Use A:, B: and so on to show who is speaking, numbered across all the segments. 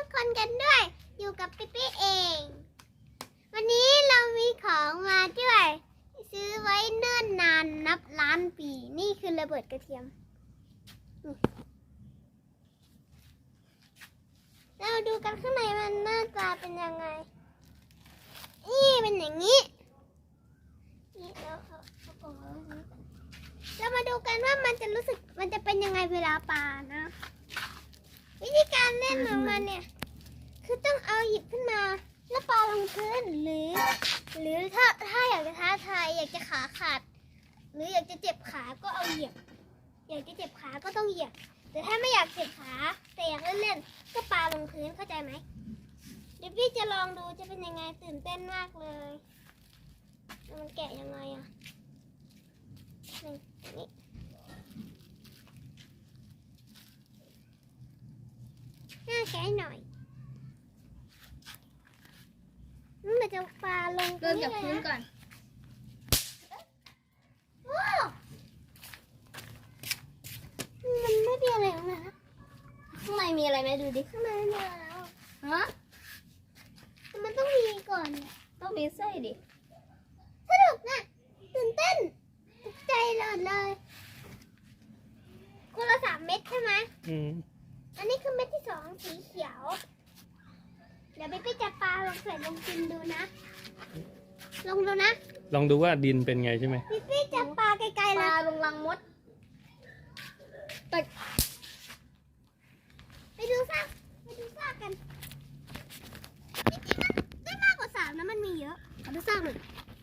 A: กคนกันด้วยอยู่กับปิ๊ปี้เองวันนี้เรามีของมาด้วยซื้อไว้เนิ่นนานนับล้านปีนี่คือระเบิดกระเทียมเราดูกันข้างในมันหน้าตาเป็นยังไงนี่เป็นอย่างนี้นี่เราเอากล่องเอาไว้เรามาดูกันว่ามันจะรู้สึกมันจะเป็นยังไงเวลาปานะวิธีการเล่นของมันเนี่ยคือต้องเอาหยิบขึ้นมาแล้วปาลงพื้นหรือถ้าอยากจะท้าทายอยากจะขาขาดหรืออยากจะเจ็บขาก็เอาเหยียบอยากจะเจ็บขาก็ต้องเหยียบแต่ถ้าไม่อยากเจ็บขาแต่อยากเล่นๆก็ปาลงพื้นเข้าใจไหมเดี๋ยวพี่จะลองดูจะเป็นยังไงตื่นเต้นมากเลยมันแกะยังไงอ่ะนี่น่าแกะหน่อยมันจะปาลง
B: เริ่มจากพื้นก่อน
A: ว้าวมันไม่มีอะไรออกมานะ
B: ข้างในมีอะไรไหมดูดิ
A: ข้างในไม่มีอะไรแล้ว
B: ฮะ
A: มันต้องมีก่อนเนี่ย
B: ต้องมีไส้ดิ
A: สนุกนะตื่นเต้นตกใจเลยคนละ3 เม็ดใช่ไหมอันนี้คือเม็ดที่2สีเขียวเดี๋ยวพี่จะปาลงใส่ลงดินดูนะลองดูนะ
C: ลองดูว่าดินเป็นไงใช่ไหม
A: พี่จะปาไกลๆ
B: ป
A: เล
B: ลาย ลงรังมดแต่
A: ไปดูซากกันจริงๆมันได้มากกว่า3นะมันมีเยอะขอดูซากหน่อย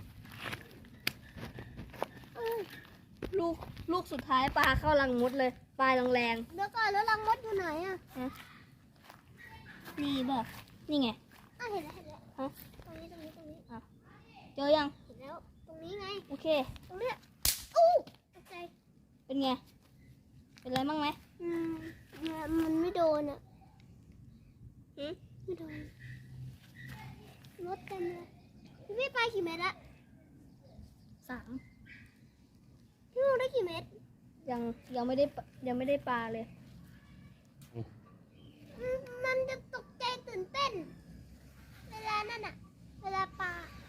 B: ลูกสุดท้ายปลาเข้ารังมดเลยปลาแรง
A: เดี๋ยวก่อนแล้วรังมดอยู่ไหนอ่ะ
B: ๆนี่บอกนี่ไง
A: เห็นแล้ว
B: ฮะ
A: ตรงนี้
B: เจอยัง
A: เห็นแล้วตรงนี้ไง
B: โอเค
A: ตรงเนี้ยอู้ตกใจ
B: เป็นไงเป็นไรบ้างไหม
A: มันไม่โดนอ่ะ
B: หืม
A: ไม่โดนรถเต็มเลยพี่ไปกี่เมตรละ
B: 3
A: พี่มูได้กี่เมตร
B: ยังไม่ได้ปลาเลย
A: มันจะตกใจตื่นเต้นเวลานั่นอ่ะเวลาปลา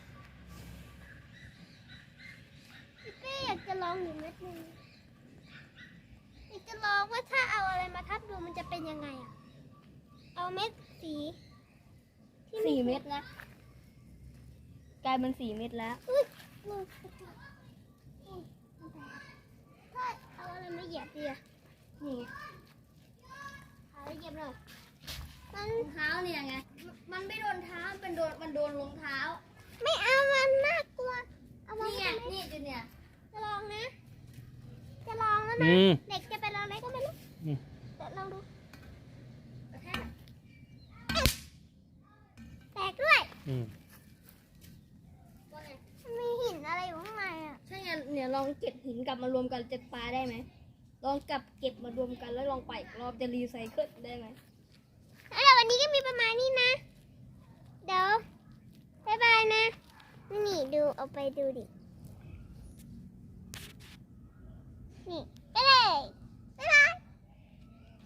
A: พี่อยากจะลองอยู่เม็ดนึงอยากจะลองว่าถ้าเอาอะไรมาทับดูมันจะเป็นยังไงอ่ะเอาเม็ดสีที่
B: 4 เม็ดนะกลายเป็น4 เม็ดแล้ว
A: อุ๊ยลูกถ้าเอาอะไรมาเหยียบดีอ่ะ
B: นี่ไง
A: เอาเหยียบหน่อยมัน
B: รองเท้าเนี่ยไงมันไม่โดนเท้ามันโดนรองเท้า
A: ไม่เอามันน่ากลัวเอาวาง
B: นี่ไง
A: ไว้ตรงนี้
B: นี่จุดเนี่ย
A: จะลองนะจะลองแล้วนะเด็กจะเป็นอะไรก็ไม่รู้แต่ลองดูแตกด้วยมันมีหินอะไรอยู่ข้างในอ่ะ
B: ใช่ไงเนี่ยลองเก็บหินกลับมารวมกันจะปลาได้ไหมลองเก็บมารวมกันแล้วลองไปอีกรอบจะรีไซเคิลได้ไหม
A: แล้ววันนี้ก็มีประมาณนี้นะเดี๋ยวบ๊ายบายนะนี่ดูเอาไปดูดินี่